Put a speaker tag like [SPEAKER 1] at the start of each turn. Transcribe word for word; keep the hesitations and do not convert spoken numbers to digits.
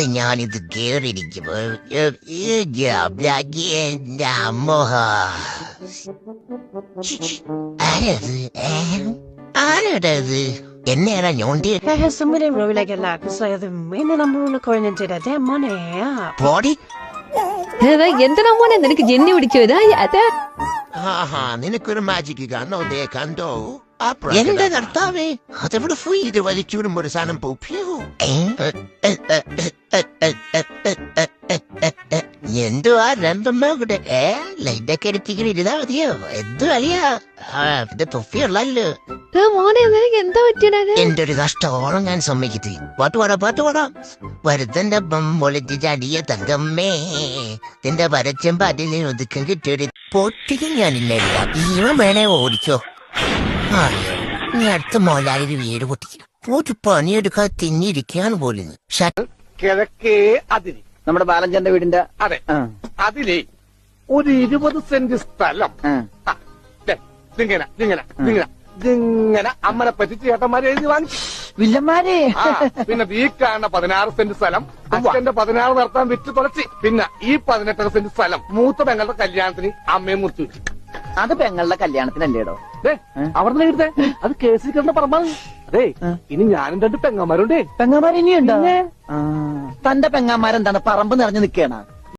[SPEAKER 1] ഞാനിത് കേറിയിരിക്കുമ്പോ മോഹ ആരത് ആരത് എന്നെയാണോ ഞോണ്ടി
[SPEAKER 2] I have somebody really like a lot. So the main number one coin into that damn money.
[SPEAKER 1] Body
[SPEAKER 3] എന്തിനാ മോനെ നിനക്ക് ജെന്നി പിടിച്ചോ ഇതാ അതാ
[SPEAKER 1] ആഹാ നിനക്കൊരു മാജിക് കാണോ ദേ കണ്ടോ എന്റെ കർത്താവേ അതെവിടെ പോയി ഇത് വലിച്ചൂടും ഒരു സാധനം പോപ്പിയോ എന്തുവാ രണ്ടമ്മ കൂടെ ഏ ലൈറ്റൊക്കെ എടുത്തിങ്ങനെ ഇരുതാ മതിയോ എന്തു അറിയാ ഇത് തൊഫിയുള്ളല്ലോ
[SPEAKER 3] മോനെ നിനക്ക് എന്താ പറ്റിയത്
[SPEAKER 1] എന്റെ ഒരു കഷ്ടോളം ഞാൻ സമ്മതിക്കത്തി പാട്ട് പാടാ പാട്ട് പാടാം വരുത്തന്റെ പൊളിറ്റിച്ചടിയ തങ്കമ്മേ നിന്റെ പരച്ചം പാട്ടിൽ ഒതുക്കം കിട്ടിയൊരു പൊട്ടിക്കും ഞാനില്ല ഇവൻ വേണേ ഓടിച്ചോ ആ നീ അടുത്ത മോലാലൊരു വീട് പൊട്ടിക്കും പോയിട്ട് പണിയെടുക്കാതെ തിന്നിരിക്കാൻ പോലും
[SPEAKER 4] കിഴക്കേ അതിരി
[SPEAKER 5] നമ്മുടെ ബാലഞ്ചന്റെ വീടിന്റെ
[SPEAKER 4] അതെ അതിലേ ഒരു ഇരുപത് സെന്റ് സ്ഥലം ഇങ്ങനെ ഇങ്ങനെ ഇങ്ങനെ ഇങ്ങനെ അമ്മനെ പറ്റിച്ച് ചേട്ടന്മാരെ എഴുതി വാങ്ങിച്ചു
[SPEAKER 5] വില്ലന്മാരെ
[SPEAKER 4] പിന്നെ ഈ കാണുന്ന പതിനാറ് സെന്റ് സ്ഥലം അച്ഛന്റെ പതിനാറ് നടത്താൻ വിറ്റ് തുളച്ചി പിന്നെ ഈ പതിനെട്ടര സെന്റ് സ്ഥലം മൂത്ത പെങ്ങളുടെ കല്യാണത്തിന് അമ്മയും മുത്തു
[SPEAKER 5] അത് പെങ്ങളുടെ കല്യാണത്തിനല്ലേടോ
[SPEAKER 4] അവിടെ എഴുതേ അത് കേസിൽ കിടന്ന പറമ്പാണ് അതെ ഇനി ഞാനും രണ്ട് പെങ്ങന്മാരുണ്ടേ
[SPEAKER 5] പെങ്ങന്മാർ ഇനിയുണ്ടോ തന്റെ പെങ്ങന്മാരെന്താണ് പറമ്പ് നിറഞ്ഞു നിൽക്കണ